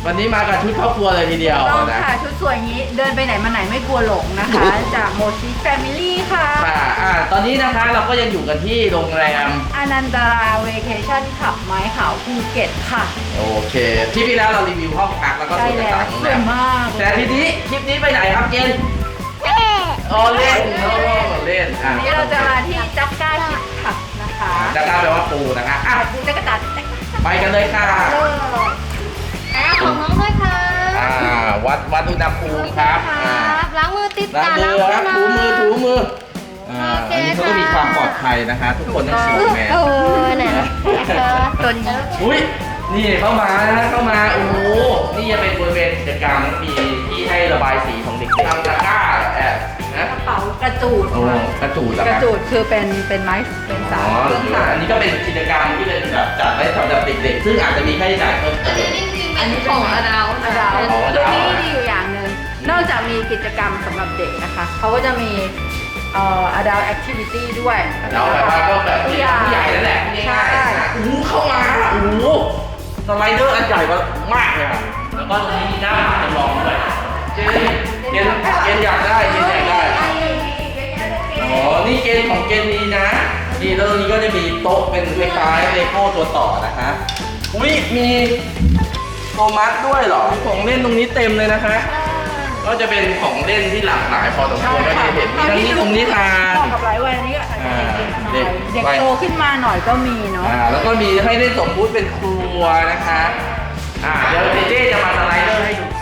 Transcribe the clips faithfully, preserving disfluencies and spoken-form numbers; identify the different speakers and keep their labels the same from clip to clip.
Speaker 1: วันนี้มากับชุดครอบครัวเลยทีเดียว
Speaker 2: ต้อง
Speaker 1: นะ
Speaker 2: ค่ะชุดสวยอย่างนี้เดินไปไหนมาไหนไม่กลัวหลงนะคะ จากโมชิแฟมิลี่ค่ะ
Speaker 1: ค่ะอ่าตอนนี้นะคะเราก็ยังอยู่กันที่โรงแรม
Speaker 2: อนันตราเวเคชั่นขับไม้ขาวภูเก็ตค่ะ
Speaker 1: โอเคที่พี่แล้วเรารีวิวห้องพักแล้วก็
Speaker 2: ใช่
Speaker 1: ส่วน
Speaker 2: แล้ว
Speaker 1: ต่างๆ
Speaker 2: ส
Speaker 1: โรง
Speaker 2: ว
Speaker 1: แร
Speaker 2: ย
Speaker 1: ม
Speaker 2: มาก
Speaker 1: แต่ทีนี้คลิปนี้ไปไหนครับเจนอ๋อเล่นเขาบอกเล่นอ่ะ
Speaker 2: วันนี้เราจะมาที่จักก้าคิดขับนะคะ
Speaker 1: จะกล้าแปลว่าปูนะคะอ่ะ
Speaker 2: ปูจักรตัด
Speaker 1: ไปกันเลยค่ะ
Speaker 3: อ่าของน้องด้วยค่ะ
Speaker 1: อ่าวัดวัดอุณหภูมิครับอ่า
Speaker 3: ล้างมือติด
Speaker 1: ล้าง
Speaker 3: ตา
Speaker 1: มือครับถูมือถูมืออ่า
Speaker 3: โอเค
Speaker 1: อันนี้เขาก็
Speaker 3: ค่ะ
Speaker 1: มีความปลอดภัยนะคะ ทุกคนต้องสวมแมส
Speaker 3: โอ้ไหนนะเออ
Speaker 2: ตัวนี้
Speaker 1: อุ้ยนี่เข้ามานะเข้ามาโอ้โหนี่จะเป็นบริเวณกิจกรรมมีที่ให้ระบายสีของเด็กๆทำตะกร้าแอบนะ
Speaker 2: กระเป๋ากระจูด
Speaker 1: โอ้กระจูดเหรอก ค
Speaker 2: ระ
Speaker 1: รับ
Speaker 2: จูดคือเป็นเป็นไม้เป็นสา
Speaker 1: อ๋
Speaker 2: ย
Speaker 1: อ
Speaker 2: เครื่องสาย
Speaker 1: อันนี้ก็เป็นกิจกรรมที่เป็นแบบจัดไว้สำหรับเด็กๆซึ่งอาจจะมีค่าใช้จ่ายเพิ่มเติม
Speaker 2: อันนี้ของอดาวอดาว
Speaker 1: อ๋ออ
Speaker 2: คือ
Speaker 1: ดาว
Speaker 2: ที่ดีอยู่อย่างหนึ่งนอกจากมีกิจกรรมสำหรับเด็กนะคะเขาก็จะมีเอ่อ adult activity ด้วย
Speaker 1: เราแบบว่าก็แบบ
Speaker 2: ผู้
Speaker 1: ผู้
Speaker 2: ใหญ่
Speaker 1: ใหญ่นั่นแหละง่ายๆ
Speaker 2: ใช่
Speaker 1: นะโอ้โหเข้ามาโอ้โหสไลเดอร์อันใหญ่มากเลยอ่ะแล้วก็ตรงนี้มีหน้าผาจำลองด้วยเจนเจนเจนอยากได้เจนอยากได้อ๋อนี่เกณฑ์ของเกณฑ์นี้นะนี่แล้วตรงนี้ก็จะมีโต๊ะเป็นคล้ายๆเลโก้ตัวต่อนะคะอุ้ยมีโทมัสด้วยเหรอของเล่นตรงนี้เต็มเลยนะคะ ก็จะเป็นของเล่นที่หลากหลายพอสมควรก็จะเห็นมีทั้งนิทงนิทาน
Speaker 2: เหมาะกับหลายวัยนี้ก็อาจจะเป็นเด็กไทยเด็กโตขึ้นมาหน่อยก็มีเนาะ
Speaker 1: อ่าแล้วก็มีให้ได้สมมุติเป็นครัวนะคะอ่าเดี๋ยวเจเจจะมาสไลเดอร์ให้ดู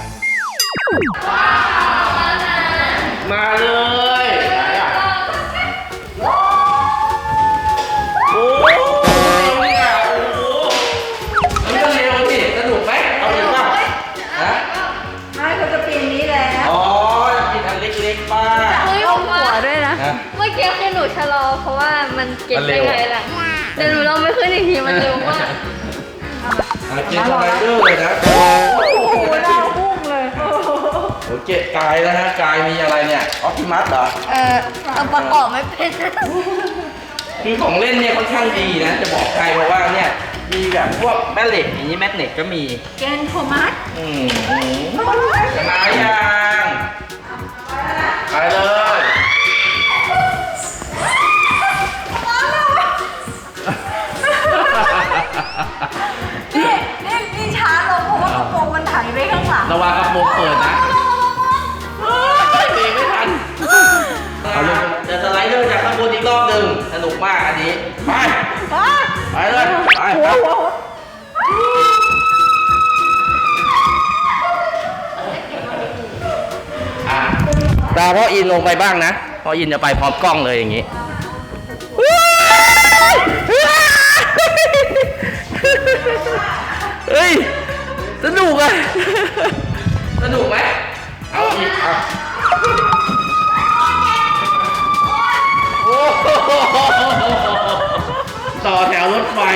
Speaker 1: มาเลยไหนอ่ะโอ้โหเนี่ยโอ้โหมันก็เร็วสิสนุกไหมเอาอีกป่ะฮะ
Speaker 2: ไม่เขาจะปีนนี้แล้ว
Speaker 1: อ๋อกินอันเล็กๆป้า
Speaker 3: เฮ้ย
Speaker 2: ต้
Speaker 3: ผ
Speaker 2: อง
Speaker 3: ม
Speaker 2: หั
Speaker 3: ว่าว
Speaker 2: ด้วยนะ
Speaker 1: ฮะ
Speaker 3: เมื่อกี้คือหนูชะลอเพราะว่ามันเก่ง
Speaker 1: มันเร็
Speaker 3: ได้
Speaker 1: ว
Speaker 3: ไงล่ะแต่หนูลองไม่ขึ้นอีกทีมันเร็วมาก
Speaker 1: อ่ะเกมสไลเดอร์เลยนะโอ้
Speaker 2: โอ้โหดาวพุ่งเลยโอ้โห
Speaker 1: โหเกตกายนะฮะกายมีอะไรเนี่ยออปติมัสเหรอ
Speaker 3: เออเอาประกอบไม่เป็น
Speaker 1: คือของเล่นเนี่ยค่อนข้างดีนะ จะบอกใครเพราะว่าเนี่ยมีแบบพวกแม่เหล็กอย่างนี้แม่เหล็กก็มี
Speaker 2: เกนโทมัส
Speaker 1: อืมอืมชนะยังไปเลย
Speaker 2: นี่นี่นี่ช้าลงเพราะว่ากระโปรงมันไถไปข้างหลัง
Speaker 1: ระวังกระโปรงเปิดนะเฮ้ยเบรกไม่ทันเอาลงเดี๋ยวสไลเดอร์จากข้างบนอีกรอบหนึ่งสนุกมากอันนี้ไป
Speaker 2: อ่ะ
Speaker 1: ไปเลยไป
Speaker 2: หัว
Speaker 1: ไป
Speaker 2: หัว
Speaker 1: อ่ะตาพ่ออินลงไปบ้างนะพ่ออินจะไปพร้อมกล้องเลยอย่างนี้เฮ้ยสนุกอ่ะสนุกไหมเอาอีกอ่ะโอ้โหต่อแถวรถไฟ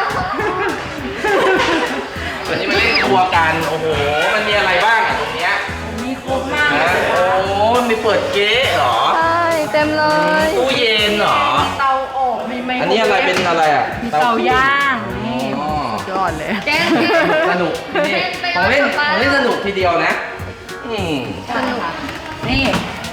Speaker 1: วันนี้มาเล่นครัวกันโอ้โหมันมีอะไรบ้างอ่ะตรงเนี้ย
Speaker 2: มีครบมาก
Speaker 1: นะโอ้มีเปิดเก๊ะเหรอ
Speaker 3: ใช่เต็มเลย
Speaker 1: ตู้เย็นเหรอ
Speaker 2: มีเตาอบมีไมโคร
Speaker 1: อันนี้อะไรเป็นอะไรอ่ะ
Speaker 2: มีเตาย่างนี่
Speaker 1: อ๋อ
Speaker 2: สุดยอดเลย
Speaker 3: เจ๊
Speaker 1: สนุกนี่ของเล่นของเล่นสนุกทีเดียวนะ อืม
Speaker 2: สนุกนี่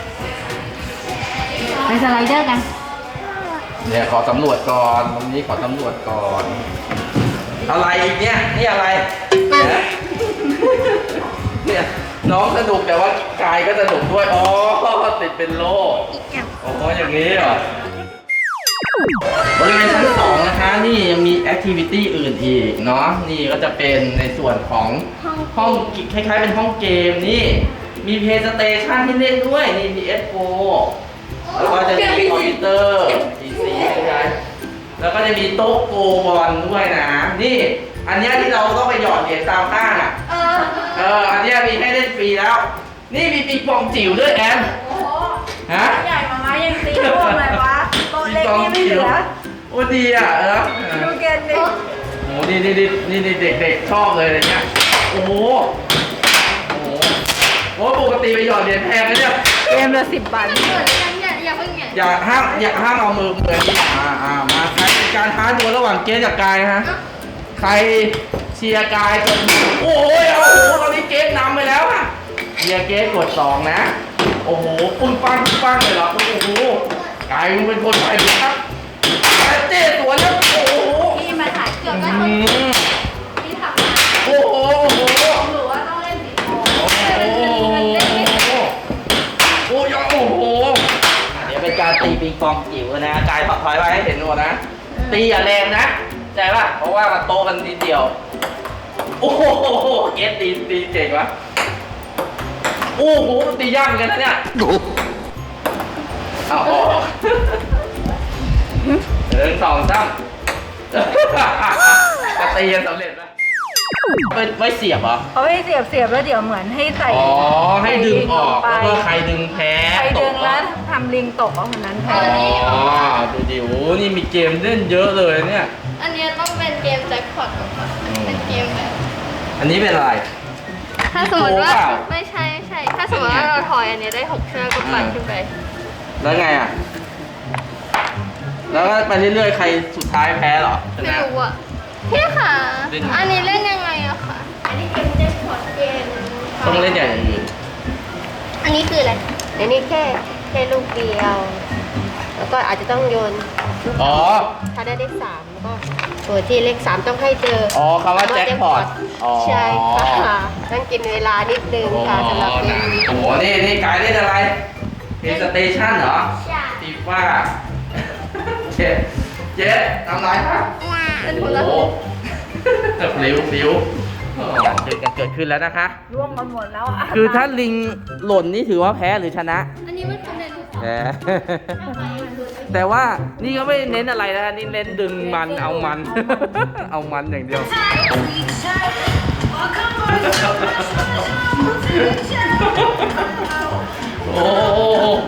Speaker 2: ไปสไลเดอร์กัน
Speaker 1: เนี่ยขอสำรวจก่อนตรงนี้ขอสำรวจก่อน อะไรอีกเนี่ยนี่อะไรเนี่ยเนี่ยน้องสนุกแต่ว่ากายก็สนุกด้วยอ๋อติดเป็นโล่อ๋ออย่างนี้เหรอบริเวณชั้นสองนะคะนี่ยังมีแอคทิวิตี้อื่นอีกเนาะนี่ก็จะเป็นในส่วนของห้องคล้ายๆเป็นห้องเกมนี่มีเพลย์สเตชันให้เล่นด้วยนี่มี เอส โฟร์ แล้วก็จะมีคอมพิวเตอร์ พี ซี ใช่ไหมแล้วก็จะมีโต๊ะโกบอลด้วยนะ นี่ อันเนี้ยที่เราต้องไปหยอดเหรียญตามข้างอ่ะ
Speaker 3: เออ
Speaker 1: เออ อันเนี้ยมีให้เล่นฟรีแล้ว นี่มีปิงปองจิ๋วด้วยแอน
Speaker 2: โอ้โห
Speaker 1: ฮะ
Speaker 2: ใหญ่มามายังตีร่วงเลยวะโต๊ะเล็กนี่ไม่เหลือ
Speaker 1: โอ้ดีอ่ะเออ
Speaker 2: ดูเกนดิ
Speaker 1: โอ้นี่นี่นี่นี่นี่เด็กๆชอบเลยอะไรเงี้ย โอ้โห โอ้โหโอ้ปกติไปหยอดเหรียญแพงนะเนี่ย
Speaker 2: เกมละสิบบาท
Speaker 3: เกิดยังอย่าอย่าเพิ่งเนี่ย
Speaker 1: อย่าห้ามอย่าห้ามเอามือมือนี่อ่าอ่ามาใครเป็นการท้าดวลระหว่างเกสกับกายนะฮะใครเชียร์กายจนโอ้ยเอาโอ้โหตอนนี้สนำไปแล้วอะเฮียเกสกดสองนะโอ้โหปึ้งปังปึ้งปังเลยเหรอโอ้โหกลายเป็นคนไปเลยครับเจ๊สวนแล้วโอ้โห
Speaker 3: พี่มาถ่ายเกือบ
Speaker 1: อื
Speaker 3: ก็ต้อง
Speaker 1: ม
Speaker 3: พี่ทำมา
Speaker 1: โอ้โหโอ้โห
Speaker 3: หรือว่าต้องเล่นสีทอง
Speaker 1: โอ้โหโอ้โหโอ้โหเดี๋ยวเป็นการตีปิงปองจิ๋วนะกายถอยไปให้เห็นหมดนะตีอย่าแรงนะใจป่ะเพราะว่ามันโตกันนิดเดียวโอ้โหเกสตีตีเก่งวะโอ้โหตียากเหมือนกันนะเนี่ยเอาออกหนึ่งสองสามจะตีกันสำเร็จไหมไม่ไม่เสียบเหรอ
Speaker 2: เขาไม่เสียบเสียบแล้วเดี๋ยวเหมือนให้ใส่
Speaker 1: อ๋อให้ดึงออก
Speaker 2: ไป
Speaker 1: แล้วก็ใครดึงแพ้
Speaker 2: ใคร
Speaker 1: ต
Speaker 2: ดึ
Speaker 1: ก
Speaker 2: ง
Speaker 1: เหร
Speaker 2: แล้
Speaker 1: อ
Speaker 2: วทำลิงตกเอาคนนั้นแพ้
Speaker 1: อ๋อดูดิโอ้นี่มีเกมเล่นเยอะเลยเนี่ย
Speaker 3: อันนี้ต้องเป็นเกมแจ็คพอตค่ะเป็นเกมแบบ
Speaker 1: อันนี้เป็นอะไร
Speaker 3: ถ้าสมมติว่า
Speaker 1: โกเปล่า
Speaker 3: ไม่ใช่ไม่ใช่ ถ้าสมมติว่าเราถอยอันนี้ได้หกเชือกก็ปั่นขึ้นไป
Speaker 1: แล้วไงอ่ะ แล้วก็ไปเรื่อยๆ ใครสุดท้ายแพ้เหรอช
Speaker 3: ไม่
Speaker 1: นะ
Speaker 3: รู้อ่ะพี่ค่ะ
Speaker 1: เล่นไง
Speaker 3: อันนี้เล่นยังไงอะคะอันนี้เป็นแจ็คพอตเกม
Speaker 1: ต้องเล่นอย่างอื่น
Speaker 3: อันนี้คืออะไร
Speaker 4: อันนี้แค่แค่ลูกเดียว แล้วก็อาจจะต้องโยนลูก
Speaker 1: อ๋อ
Speaker 4: ถ้าได้เลขสามแล้วก็ตัวที่เลขสามต้องให้เจอ
Speaker 1: อ๋อคำว่าแจ็คพอตอ๋อ
Speaker 4: ใช่ค่ะต้องกินเวลานิดนึง
Speaker 1: โอ้
Speaker 4: ค่ะสำหรับเกมนี้
Speaker 1: โหนี่นี่กายเล่นอะไรเพลย์สเตชันเหรอ
Speaker 3: ใช่
Speaker 1: ฟีฟ่าเจ็ดเจ็ดทำไรครับ
Speaker 3: เป็นค
Speaker 1: โอ้
Speaker 3: นละ
Speaker 1: โหเร็วเร็วการเกิดกันเกิดขึ้นแล้วนะคะ
Speaker 2: ร่วมกันหมดแล้วอ่ะ
Speaker 1: คือถ้าลิงหล่นนี่ถือว่าแพ้หรือชนะ
Speaker 3: อันนี้มันคือเมนู
Speaker 1: แพ้ แต่ว่านี่ก็ไม่เน้นอะไรนะนี่เน้นดึงมันเอามัน เอามันอย่างเดียว โอ้โห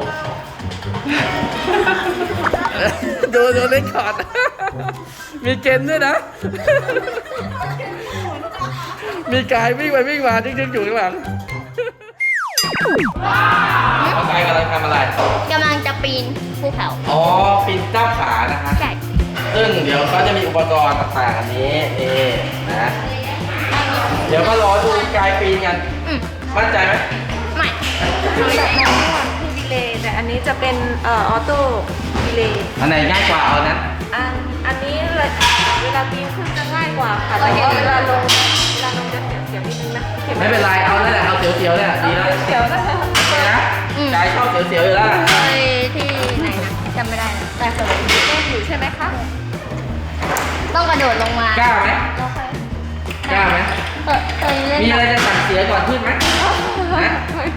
Speaker 1: ดูดูเล่นคอร์ด มีเกมด้วยนะ มีกายวิ่งไปวิ่งมาจึ๊กๆอยู่ข้างหลังเขากายกำลังทำอะไร
Speaker 3: กำลังจะปีนภูเขา
Speaker 1: อ๋อปีนก้าวขานะฮะ
Speaker 3: ใช่
Speaker 1: ซึ่งเดี๋ยวเขาจะมีอุปกรณ์ต่างๆอันนี้นี่นะ เดี๋ยวก็รอดูกายปีนกัน
Speaker 3: อืม
Speaker 1: มั่นใจไหม
Speaker 3: ไม่
Speaker 2: แบบนั้นคือดีเลย์แต่อันนี้จะเป็นเอ่อออโต้ดีเลย์
Speaker 1: อันไหนง่ายกว่าเอานั้น
Speaker 2: อันอันนี้เลยเวลาปีนขึ้นจะง่ายกว่าค่ะแต่ว่าเวลาลงเวลาลงจะเสียวเสียวๆนิดนึงนะข็
Speaker 1: ไม่เป็นไรเอานั่นแหละเอาเสียวๆเนี่ยดีแล้ว
Speaker 2: เสียวนะคะ
Speaker 1: โอเคนะกายชอบเสียวๆอยู่แล้วล่ะ
Speaker 3: ไปที่ไหนนะจำไม่ได้นะแต่เคย
Speaker 2: เล่นอยู่ใช่ไหมคะ
Speaker 3: ต้องกระโดดลงมาก
Speaker 1: ล้าไหม
Speaker 3: เราเคย
Speaker 1: กล้าไหม
Speaker 3: เออเคยเล่น
Speaker 1: มีอะไรจะสั่งเสียก่อนขึ้นไหมนะ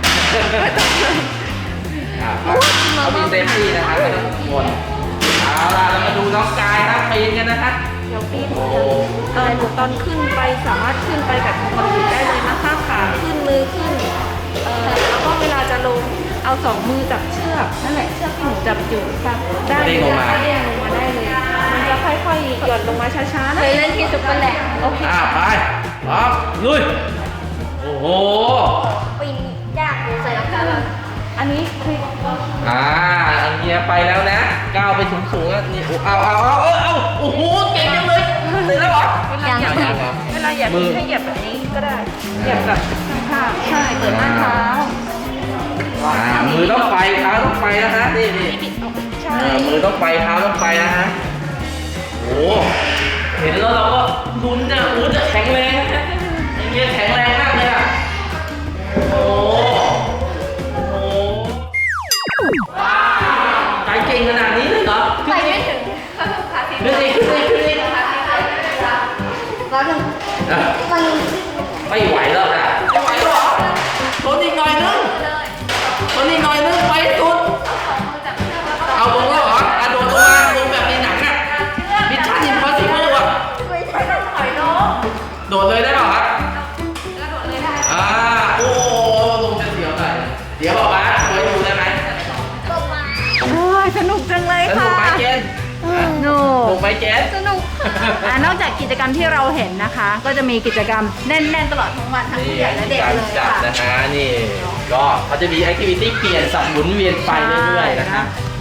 Speaker 1: อ่ะเขามีเซฟตี้นะคะไม่ต้องกังวลเอาล่ะเรามาดูน้องกายครับปีนกันนะคะ
Speaker 2: เดี๋ยวปีน
Speaker 1: โอ้โห
Speaker 2: เออตอนขึ้นไปสามารถขึ้นไปแบบปกติได้เลยนะคะขาขึ้นมือขึ้นเออแล้วก็เวลาจะลงเอาสองมือจับเชือกนั่นแหละเชือกที่หนูจับอยู่ค่ะได้เลยนะคะเด้งลงมาได้เลย มันจะค่อยๆหย่อนลงมาช้าๆ
Speaker 3: เค
Speaker 2: นะ
Speaker 3: ยเล่นที่ซุปเปอร์แลนด์
Speaker 2: โอเค
Speaker 1: อ่าไปพร้อมลุยโอ้โห
Speaker 3: ปีนยากเลยใส่รองเท้า
Speaker 2: อันนี้คือ
Speaker 1: อ่าอันเนี้ยไปแล้วนะก้าวไปสูงสูงๆแล้วนี่เอาเอาเอาเอาเอาโอ้โหเก่งจังเลยเสร็จแล้วเหรอ
Speaker 2: เวลาเหยียบ
Speaker 1: ยังเหรอ
Speaker 2: เวลาเหยียบ
Speaker 1: มือ
Speaker 2: ให้เหยียบแบบนี้ก็ได้เหยียบแบบข้างๆใช่เปิดหน้าเท้า
Speaker 1: อ่ามือต้องไปเท้าต้องไปนะฮะนี่นี่
Speaker 2: ใช่
Speaker 1: เออมือต้องไปเท้าต้องไปนะฮะโอ้เห็นแล้วเราก็ลุ้นจะอู้จะแข็งแรงนะฮะไอ้เงี้ยแข็งแรงมากเลยอ่ะโอ้โหโอ้โหว้าวใจเก่งขนาดนี้เลยเหรอ
Speaker 3: ไปไม่ถึง
Speaker 1: ขึ้นดิขึ้นดิขึ้นดิ
Speaker 3: ร้อนหนึ่ง
Speaker 1: อ่ะ
Speaker 3: มัน
Speaker 1: ไม่ไหวแล้วนะไม่ไหวหรอทนอีกหน่อยนึงทนอีกหน่อยนึงไปให้สุดเอาลงแล้วเหรออ่ะโดดลงมาลงแบบในหนังอ่ะมิชชั่นอิมพอสซิเบิลอ่ะ
Speaker 3: ไม่ใช่ต้องถอยลง
Speaker 1: โดดเลยได้เปล่าครับอ่าโอ้ลงจะเสียวหน่อยเดี๋ยวบอกว่าไว้ดูได้ไหม
Speaker 3: ลงมา
Speaker 2: โอ้ยสนุกจังเลย
Speaker 1: สนุ
Speaker 2: ค่ะ
Speaker 1: กไหมเจน
Speaker 2: หนู
Speaker 1: สนุกไหมเจน
Speaker 3: สนุกค่ะ
Speaker 2: อ่านอกจากกิจกรรมที่เราเห็นนะคะ ก็จะมีกิจกรรมแน่นๆตลอดทั้งวันทั้ง
Speaker 1: นี่
Speaker 2: ผู้ใหญ่และเด็ก
Speaker 1: การ
Speaker 2: เลย
Speaker 1: จัด
Speaker 2: ค่ะ
Speaker 1: นะฮะนี่ก็เขาจะมีแอคทิวิตี้เปลี่ยนสับหมุนเวียนไปเรื่อยๆนะคะ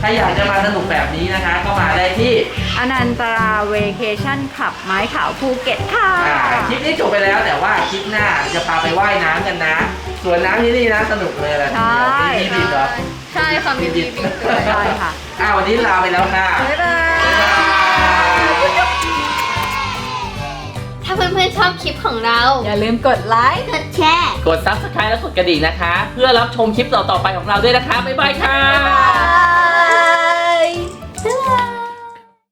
Speaker 1: ใครอยากจะมาสนุกแบบนี้นะคะ ก็มาได้ที่
Speaker 2: อนันตราเวเคชั่นขับไม้ขาวภูเก็ตค่ะ
Speaker 1: อ่าคลิปนี้จบไปแล้วแต่ว่าคลิปหน้าจะพาไปว่ายน้ำกันนะ ส่วนน้ำที่นี่นะสนุกเลยแหละ
Speaker 2: ใช่
Speaker 1: มีบิดเหรอ
Speaker 3: ใช่ค่ะมีบีบีด้วย
Speaker 2: ใช่ค่ะ
Speaker 1: อ่าวันนี้ลาไปแล้วค่ะ
Speaker 2: บ๊ายบาย
Speaker 3: ถ้าเพื่อนๆชอบคลิปของเรา
Speaker 2: อย่าลืมกดไลค์
Speaker 3: กดแชร์
Speaker 1: กด ซับสไครบ์ และกดกระดิ่งนะคะ เพื่อรับชมคลิปต่อๆไปของเราด้วยนะคะ บ๊ายบายค่ะ
Speaker 2: บ๊ายบาย